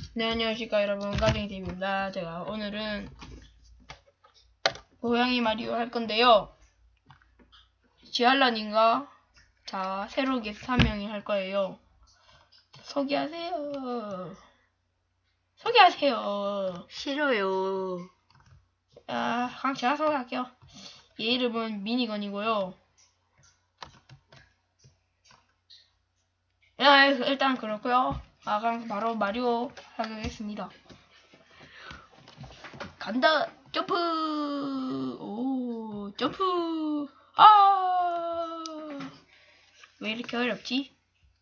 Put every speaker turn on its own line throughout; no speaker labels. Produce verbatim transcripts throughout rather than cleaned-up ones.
네, 안녕하십니까 여러분, 가정이입니다. 제가 오늘은 고양이 마리오 할 건데요. 지알라님과 자 새로 게스트 한 명이 할 거예요. 소개하세요. 소개하세요.
싫어요.
아, 그럼 제가 소개할게요. 얘 이름은 미니건이고요. 야, 일단 그렇고요. 아, 그럼 바로 마리오 하겠습니다. 간다. 점프. 오, 점프. 아, 왜 이렇게 어렵지?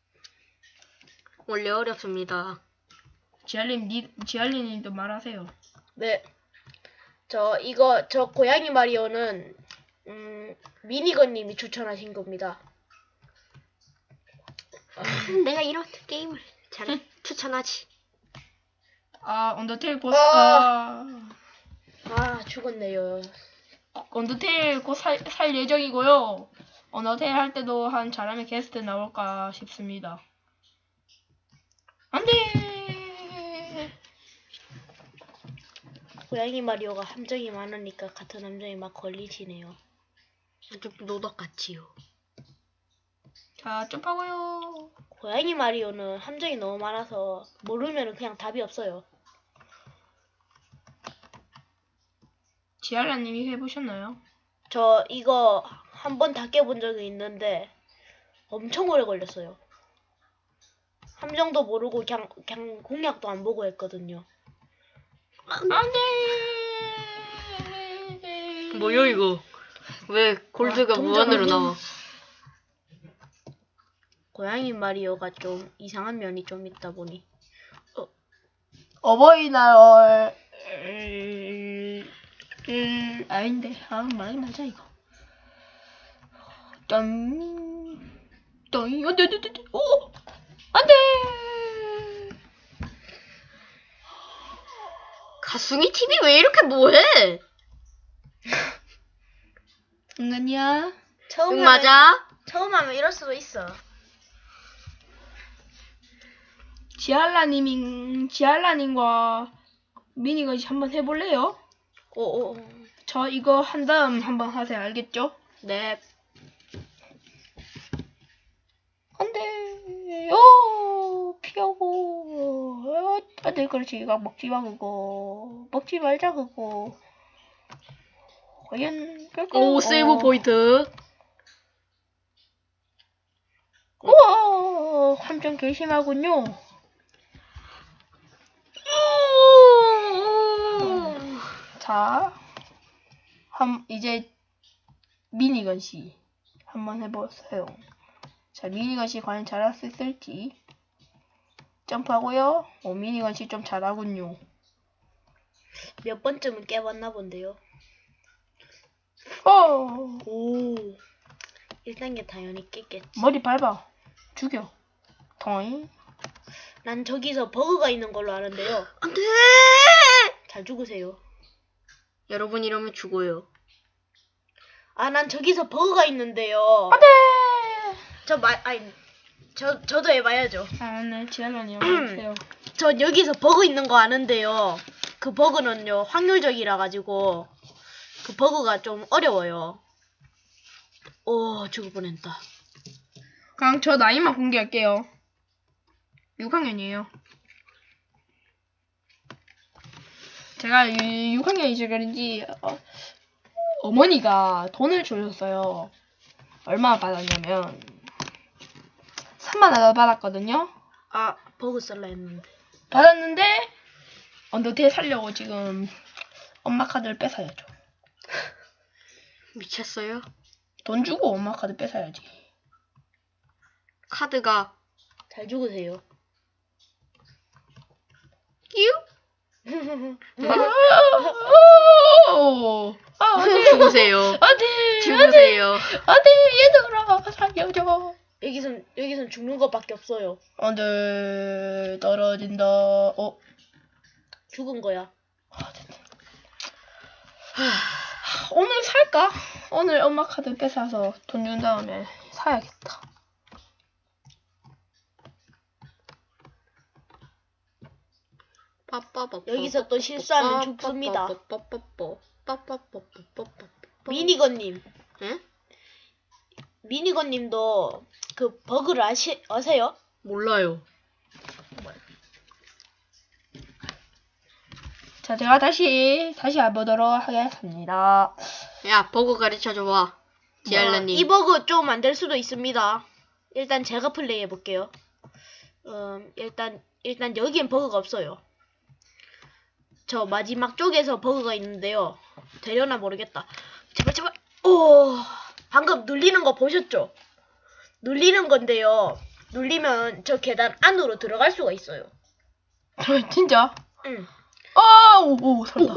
원래 어렵습니다.
지알님, 니, 지알님도 말하세요.
네. 저 이거 저 고양이 마리오는 음, 미니건님이 추천하신 겁니다.
내가 이런 게임을 잘 추천하지.
아, 언더테일 곧,
아.
아,
아 죽었네요.
언더테일 곧 살, 살 예정이고요. 언더테일 할 때도 한 잘하면 게스트 나올까 싶습니다. 안 돼!
고양이 마리오가 함정이 많으니까 같은 함정이 막 걸리시네요.
아주 노덕같지요.
자, 점프하고요.
고양이 마리오는 함정이 너무 많아서 모르면 그냥 답이 없어요.
지알라님이 해보셨나요?
저 이거 한 번 다 깨본 적이 있는데 엄청 오래 걸렸어요. 함정도 모르고 그냥, 그냥 공략도 안 보고 했거든요.
안 돼!
뭐요 이거? 왜 골드가
아, 동전
무한으로
완전-
나와?
고양이 마리오가 좀 이상한 면이 좀 있다 보니
어버이날 을... 을... 아닌데 아 말이 맞아 이거 짠 짠 안돼 안돼 안돼 오 안돼
가숭이 티비 왜 이렇게 뭐해?
장난이야
처음
응 맞아?
처음 하면 이럴 수도 있어.
지알라님인 지알라님과 미니가 한번 해볼래요?
오오
저 이거 한 다음 한번 하세요 알겠죠?
네.
안돼 오 피하고 어, 안돼 그렇지 이거 먹지 마 그거 먹지 말자 그거 과연 그거
오 세이브
어.
포인트.
우와 함정 개심하군요. 자, 한 이제 미니건 씨 한번 해보세요. 자, 미니건 씨 과연 잘할 수 있을지 점프하고요. 오, 미니건 씨 좀 잘하군요.
몇 번쯤은 깨봤나 본데요.
어,
오. 일 단계 당연히 깼겠지.
머리 밟아 죽여. 토잉.
난 저기서 버그가 있는 걸로 아는데요.
안돼.
잘 죽으세요.
여러분 이러면 죽어요.
아, 난 저기서 버그가 있는데요.
안돼.
저 마, 아니, 저 저도 해봐야죠.
아, 네, 지알라님 해주세요.
전 여기서 버그 있는 거 아는데요. 그 버그는요 확률적이라 가지고 그 버그가 좀 어려워요. 오, 죽을 뻔했다.
그럼 저 나이만 공개할게요. 육 학년이에요. 제가 육 학년이지 그런지 어, 어머니가 돈을 주셨어요. 얼마 받았냐면 삼만 원 받았거든요.
아, 버그 쓸라 했는데.
받았는데 언더테일 살려고 지금 엄마 카드를 뺏어야죠.
미쳤어요?
돈 주고 엄마 카드 뺏어야지.
카드가
잘 죽으세요.
끼우?
아, 안돼.
죽으세요.
안돼. 안돼.
죽으세요.
안돼. 얘들아 살려줘.
여기선 여기선 죽는 것밖에 없어요.
안돼. 떨어진다. 어.
죽은 거야.
아, 됐다. 오늘 살까? 오늘 엄마 카드 뺏어서 돈 준 다음에 사야겠다.
여기서 또 실수하면 죽습니다. 미니건님.
응?
미니건님도 그 버그를 아시, 아세요?
몰라요.
자, 제가 다시 다시 해보도록 하겠습니다.
야, 버그 가르쳐줘봐. 지알라님.
이 버그 좀 안 될 수도 있습니다. 일단 제가 플레이 해볼게요. 음, 일단 일단 여기엔 버그가 없어요. 저 마지막 쪽에서 버그가 있는데요. 되려나 모르겠다. 제발 제발. 오, 방금 눌리는 거 보셨죠? 눌리는 건데요. 눌리면 저 계단 안으로 들어갈 수가 있어요.
진짜?
응.
아, 오, 오, 살다.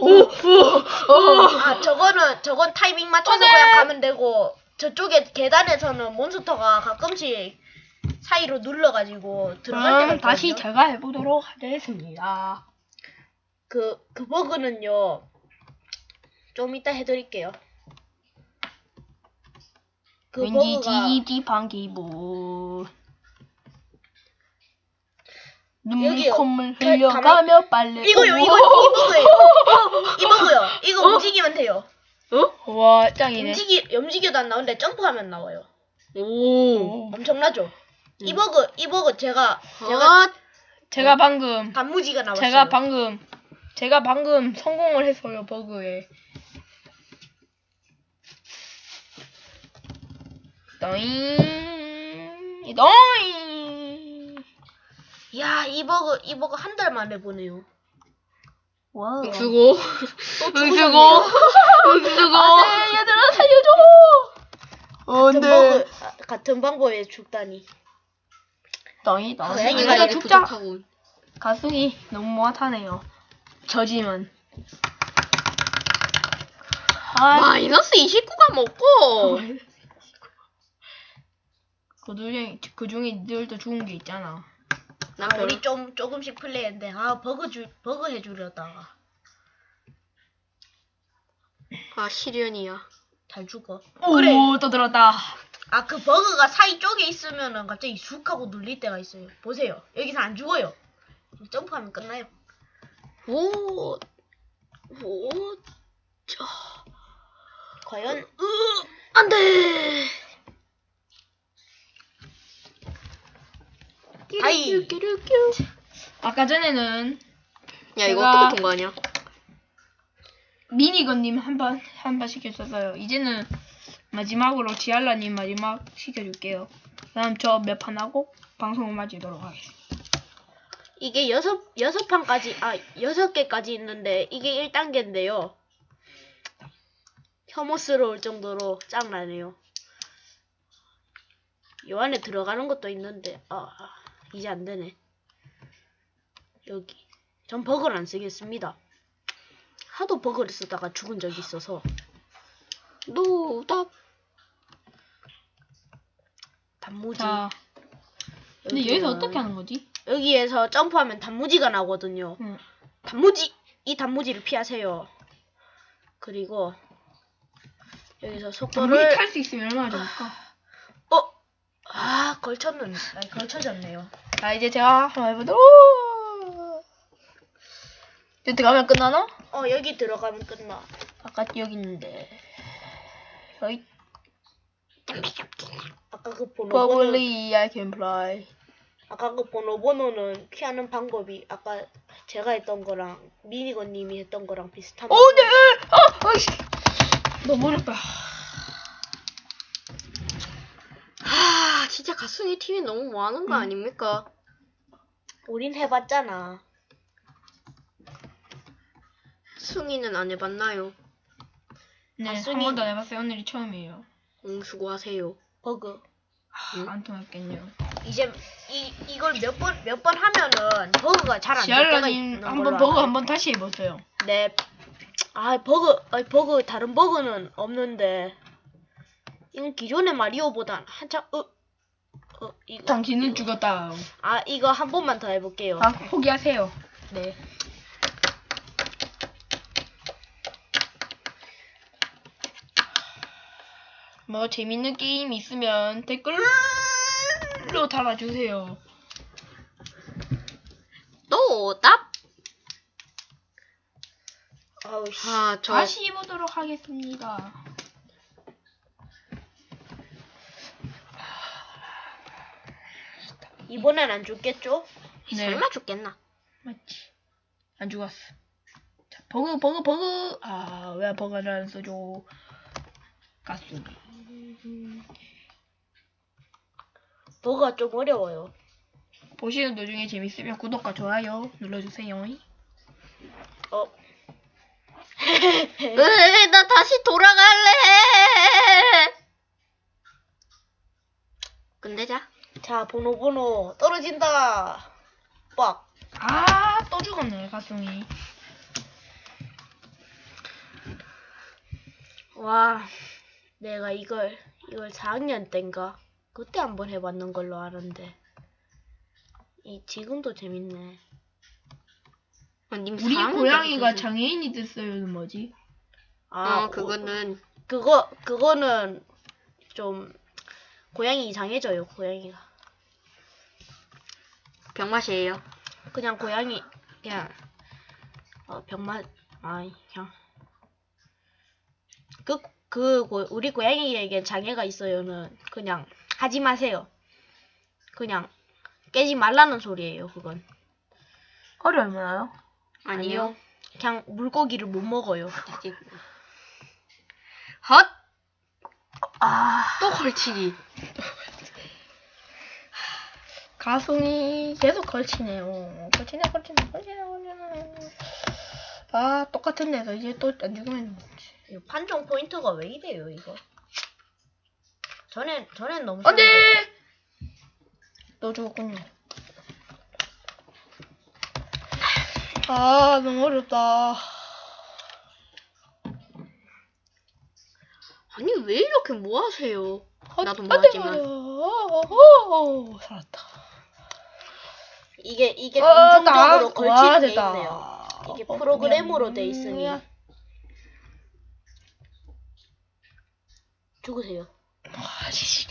아, 저거는 저건 타이밍 맞춰서 그냥 가면 되고, 저쪽에 계단에서는 몬스터가 가끔씩 사이로 눌러가지고 들어갈 때가
그럼
있거든요.
다시 제가 해보도록 하겠습니다.
그, 그 버그는요, 좀 이따 해드릴게요. 그
왠지
버그가
찝찝한 기분. 눈물
여기요.
콧물
가-
흘려가며 빨래.
이거요, 이거, 이 버그예요. 이 버그요. 이거 움직이면 돼요.
어?
와, 짱이네.
움직이, 움직여도 안 나오는데 점프하면 나와요.
오.
엄청나죠? 이
음.
버그, 이 버그 제가, 제가
제가
제가 방금
단무지가 나왔어요.
제가 방금 제가 방금 성공을 했어요, 버그에. 너잉 너잉.
야, 이 버그, 이 버그 한 달 만에 보네요.
와.
응수고.
또
응수고.
죽으셨네요.
응수고.
안돼, 얘들아 살려줘. 어,
같은
네.
버그, 아, 같은 방법에 죽다니.
너희 너.
고양이가
이거
이렇게
죽자.
부족하고.
가슴이 너무 못하네요. 저지만. 아,
마이너스 이십구가 먹고.
그 중에 그 중에 니들도 죽은 게 있잖아.
난
아,
별로.
우리 좀 조금씩 플레이했는데 아 버그 주 버그 해주려다가
아, 시련이야.
잘 죽어.
오,
그래.
또 들었다.
아 그 버그가 사이 쪽에 있으면은 갑자기 쑥 하고 눌릴 때가 있어요. 보세요. 여기서 안 죽어요. 점프하면 끝나요.
오. 오. 저.
과연
으. 안 돼.
다이.
아까 전에는
야, 이거
제가-
어떻게 통과하냐?
미니건님 한 번 한 번 시켰었어요. 이제는 마지막으로 지알라님 마지막 시켜줄게요. 그럼 저 몇 판 하고 방송을 마치도록 하겠습니다.
이게 여섯 여섯 판까지 아 여섯 개까지 있는데 이게 일 단계인데요. 혐오스러울 정도로 짱나네요. 요 안에 들어가는 것도 있는데 아 이제 안 되네. 여기 전 버그를 안 쓰겠습니다. 하도 버그를 쓰다가 죽은 적이 있어서.
노답.
단무지.
자, 근데
여기는-
여기서 어떻게 하는 거지?
여기에서 점프하면 단무지가 나오거든요.
응.
단무지! 이 단무지를 피하세요. 그리고 여기서
단무지
속도를
탈 수 있으면 얼마나 좋을까?
어? 아 걸쳤는 아니 걸쳐졌네요.
자, 이제 제가 한번 해보도록. 여기 가면 끝나나?
어 여기 들어가면 끝나.
아까 여기 있는데. 여기
아까 그 번호 번호
probably I can fly.
아까 그 번호 번호는 피하는 방법이 아까 제가 했던 거랑 미니건님이 했던 거랑 비슷한.
오, 네. 아, 아이씨. 너무 어렵다.
아, 진짜 가슴이 팀이 너무 뭐하는 거
음.
아닙니까?
우린 해봤잖아.
승희는 안 해봤나요?
네, 한
가슴이-
번도 안 해봤어요. 오늘이 처음이에요.
응, 수고하세요.
버그.
아, 안 통했겠네요.
이제 이 이걸 몇 번 몇 번 하면은 버그가 잘 안 될 때가
지알라님
있는 걸로
한번 버그
알아요.
한번 다시 해보세요.
네. 아 버그, 아 버그 다른 버그는 없는데 이건 기존의 마리오보단 한참 어, 어 이거
당신은
이거.
죽었다.
아 이거 한 번만 더 해볼게요.
아, 포기하세요. 네. 뭐 재밌는 게임 있으면 댓글로 달아주세요.
노답.
아우 씨.
아, 저
다시 보도록 하겠습니다.
이번엔 안 죽겠죠?
네.
설마 죽겠나?
맞지. 안 죽었어. 자, 버그, 버그, 버그. 아, 왜 버그를 안 써줘? 가수.
버거가 좀 어려워요.
보시는 도중에 재밌으면 구독과 좋아요 눌러주세요.
어.
으, 나 다시 돌아갈래. 끝내자.
자, 번호 번호 떨어진다. 빡.
아, 또 죽었네, 가슴이.
와, 내가 이걸 이걸 사 학년 때인가 그때 한번 해봤는 걸로 아는데 이 지금도 재밌네.
아, 님
우리
사 학년
고양이가
때부터
장애인이 됐어요는 뭐지?
아,
어, 그거는
그거 그거는 좀 고양이 이상해져요. 고양이가
병맛이에요.
그냥 고양이 그냥 어, 병맛 아이 그냥 그 그 우리 고양이에게 장애가 있어요는 그냥 하지 마세요. 그냥 깨지 말라는 소리예요. 그건
허리 얼마나요?
아니요.
그냥 물고기를 못 먹어요.
헛!
아,
또 걸치기.
가슴이 계속 걸치네요. 걸치네, 걸치네, 걸치네, 걸치네. 아, 똑같은 데서 이제 또 안 죽으면
이 판정 포인트가 왜 이래요 이거? 전엔 전엔 너무
안 돼!
쉬웠는데.
또 죽었군요. 아, 너무 어렵다.
아니, 왜 이렇게 뭐 하세요? 나도
안
뭐
돼,
하지만.
오, 살았다.
이게 이게
어,
공중적으로
나-
걸치는
와,
게
됐다.
있네요. 이게
어,
프로그램으로
그냥,
돼 있으니
음,
죽으세요.
아, 씨.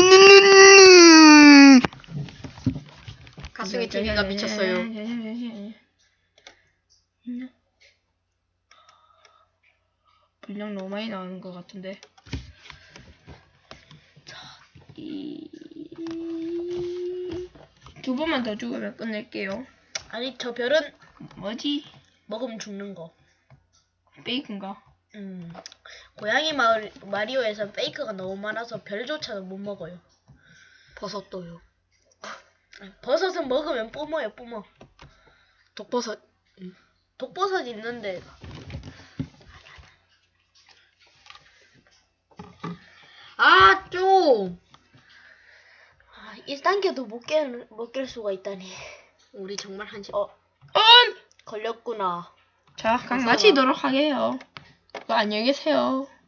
가슴이 TV가 미쳤어요.
분량 너무 많이 나오는 것 같은데. 자, 이... 두 번만 더 죽으면 끝낼게요.
아니 저 별은
뭐지?
먹으면 죽는 거.
베이컨가?
음 고양이 마을 마리오에서 페이크가 너무 많아서 별조차도 못 먹어요.
버섯도요.
버섯은 먹으면 뿜어요 뿜어.
독버섯.
독버섯 있는데
아, 좀!
아, 일 단계도 못 깰, 못 깰 수가 있다니.
우리 정말 한심.
어
음!
걸렸구나.
자, 강
무서워.
마치도록 하게요. 안녕히 계세요.